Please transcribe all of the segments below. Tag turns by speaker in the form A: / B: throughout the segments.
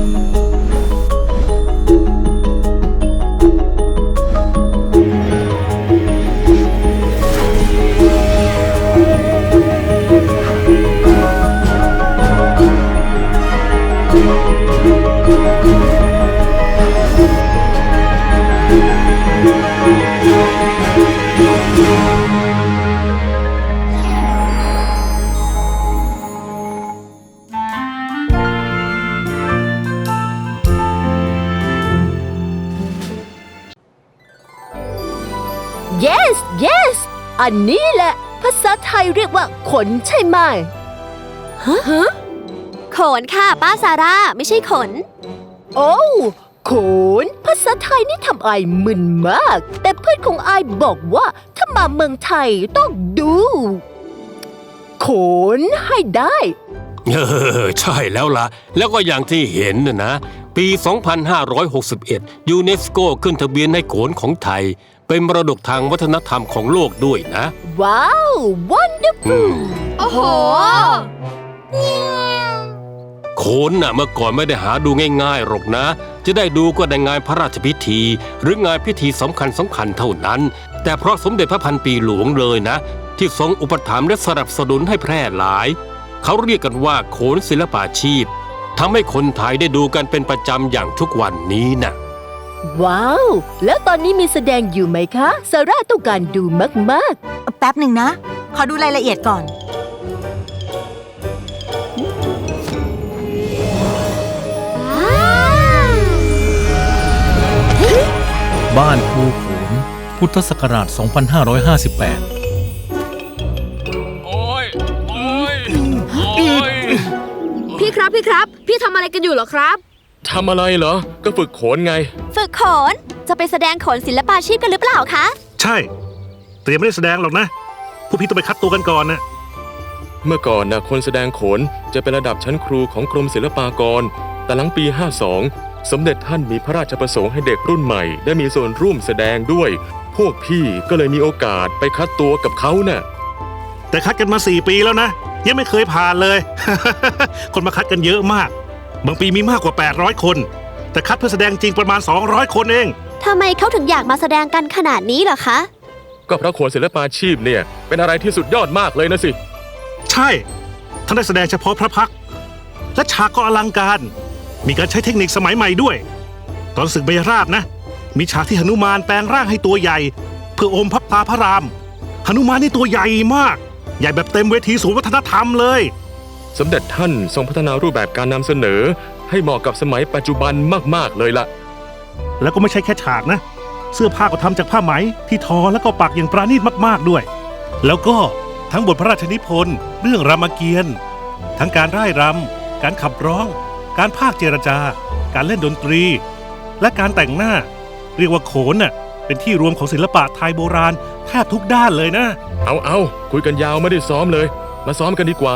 A: Yes yes อันนี้แหละภาษาไทยเรียกว่าขนใช่ไหมฮะ
B: ขนค่ะป้าซาร่าไม่ใช่ขน
A: โอ้ขนภาษาไทยนี่ทำไอมึนมากแต่เพื่อนของไอบอกว่าถ้ามาเมืองไทยต้องดูขนให้ได้
C: ใช่แล้วล่ะแล้วก็อย่างที่เห็นนะปี 2561 ยูเนสโกขึ้นทะเบียนให้โขนของไทยเป็นมรดกทางวัฒนธรรมของโลกด้วยนะ
A: ว้าว wonderful
B: โอ้โห
C: โขนน่ะเมื่อก่อนไม่ได้หาดูง่ายๆหรอกนะจะได้ดูก็ในงานพระราชพิธีหรืองานพิธีสำคัญเท่านั้นแต่เพราะสมเด็จพระพันปีหลวงเลยนะที่ทรงอุปถัมภ์และสนับสนุนให้แพร่หลายเขาเรียกกันว่าโขนศิลปาชีพทำให้คนไทยได้ดูกันเป็นประจำอย่างทุกวันนี้นะ
A: ว้าวแล้วตอนนี้มีแสดงอยู่ไหมคะซาร่าต้องการดูมาก
D: ๆแป๊บหนึ่งนะขอดูรายละเอียดก่อน
E: บ้านครูโขนพุทธศักราช 2558
B: พี่ครับพี่ทำอะไรกันอยู่เหรอครับ
F: ทำอะไรเหรอก็ฝึกโขนไง
B: ฝึกโขนจะไปแสดงโขนศิลปาชีพกันหรือเปล่าคะ
G: ใช่แต่ยังไม่ได้แสดงหรอกนะพวกพี่ต้องไปคัดตัวกันก่อนนะ
F: เมื่อก่อนนะคนแสดงโขนจะเป็นระดับชั้นครูของกรมศิลปากรแต่หลังปี 52 สมเด็จท่านมีพระราชประสงค์ให้เด็กรุ่นใหม่ได้มีส่วนร่วมแสดงด้วยพวกพี่ก็เลยมีโอกาสไปคัดตัวกับเขาน่ะ
G: แต่คัดกันมา4 ปีแล้วนะยังไม่เคยผ่านเลย คนมาคัดกันเยอะมากบางปีมีมากกว่า800 คนแต่คัดเพื่อแสดงจริงประมาณ200 คนเอง
B: ทำไมเขาถึงอยากมาแสดงกันขนาดนี้เหรอคะ
F: ก็เพราะโขนศิลปาชีพเนี่ยเป็นอะไรที่สุดยอดมากเลยนะสิ
G: ใช่ท่านได้แสดงเฉพาะพระพักตร์และฉากก็อลังการมีการใช้เทคนิคสมัยใหม่ด้วยตอนศึกเบญราบนะมีฉากที่หนุมานแปลงร่างให้ตัวใหญ่เพื่ออมพระตาพระรามหนุมานนี่ตัวใหญ่มากใหญ่แบบเต็มเวทีศูนย์วัฒนธรรมเลย
F: สมเด็จท่านทรงพัฒนารูปแบบการนำเสนอให้เหมาะกับสมัยปัจจุบันมากๆเลยล่ะ
G: แล้วก็ไม่ใช่แค่ฉากนะเสื้อผ้าก็ทำจากผ้าไหมที่ทอแล้วก็ปักอย่างปราณีตมากๆด้วยแล้วก็ทั้งบทพระราชนิพนธ์เรื่องรามเกียรติ์ทั้งการร่ายรำการขับร้องการพากย์เจรจาการเล่นดนตรีและการแต่งหน้าเรียกว่าโขนน่ะเป็นที่รวมของศิลปะไทยโบราณแทบทุกด้านเลยนะ
F: เอาคุยกันยาวไม่ได้ซ้อมเลยมาซ้อมกันดีกว่า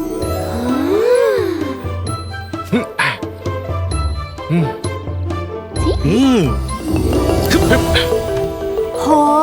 B: โห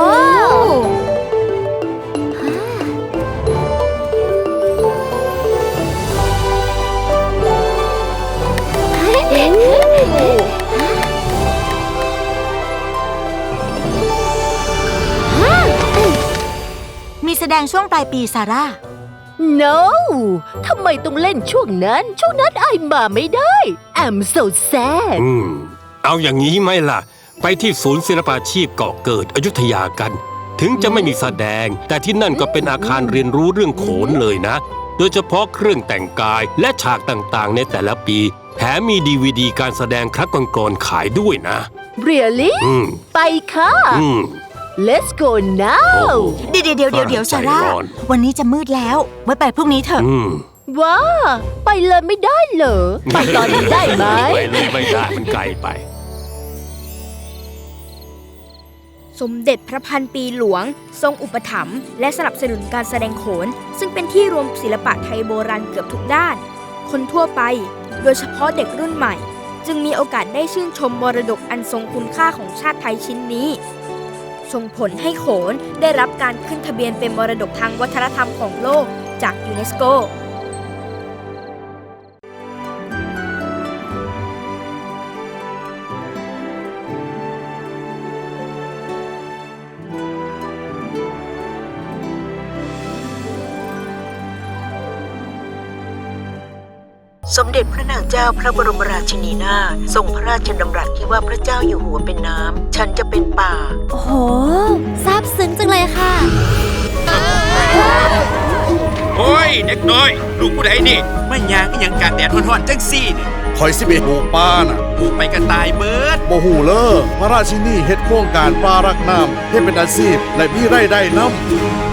D: มีแสดงช่วงปลายปีซาร่า
A: No ทำไมต้องเล่นช่วงนั้นไอมาไม่ได้ I'm so sad
C: เอาอย่างนี้ไหมล่ะไปที่ศูนย์ศิลปาชีพเกาะเกิดอยุธยากันถึงจะไม่มีแสดงแต่ที่นั่นก็เป็นอาคารเรียนรู้เรื่องโขนเลยนะโดยเฉพาะเครื่องแต่งกายและฉากต่างๆในแต่ละปีแถมมี DVD การแสดงครั้งก่อนๆขายด้วยนะ
A: Really ไปค่ะ Let's go now
D: เดี๋ยวซาร่าวันนี้จะมืดแล้วไว้ไปพรุ่งนี้เถอะ
A: ว้าไปเลยไม่ได้เหรอไปตอนนี้ได้ไหม
C: ไปเลยไม่ได้มันไกลไป
H: สมเด็จพระพันปีหลวงทรงอุปถัมภ์และสนับสนุนการแสดงโขนซึ่งเป็นที่รวมศิลปะไทยโบราณเกือบทุกด้านคนทั่วไปโดยเฉพาะเด็กรุ่นใหม่จึงมีโอกาสได้ชื่นชมมรดกอันทรงคุณค่าของชาติไทยชิ้นนี้ส่งผลให้โขนได้รับการขึ้นทะเบียนเป็นมรดกทางวัฒนธรรมของโลกจากยูเนสโก
I: สมเด็จพระนางเจ้าพระบรมราชินีนาถทรงพระราชดำรัสที่ว่าพระเจ้าอยู่หัวเป็นน้ำฉันจะเป็นป่า
B: โอ้โหซาบซึ้งจังเลยค่ะ
J: โอ้ยเด็กน้อยลูกผู้ใดนี่ไม่ยางก็ยังการแดดร้อนๆจังซี่นี่
K: คอยสิเบปลูกป่าน่ะ
J: ปลูกไปก็ตายเบิด
K: บ่ฮู้เลอพระราชินีเฮ็ดโครงการป่ารักน้ำให้เป็นอาชีพและมีรายได้นำ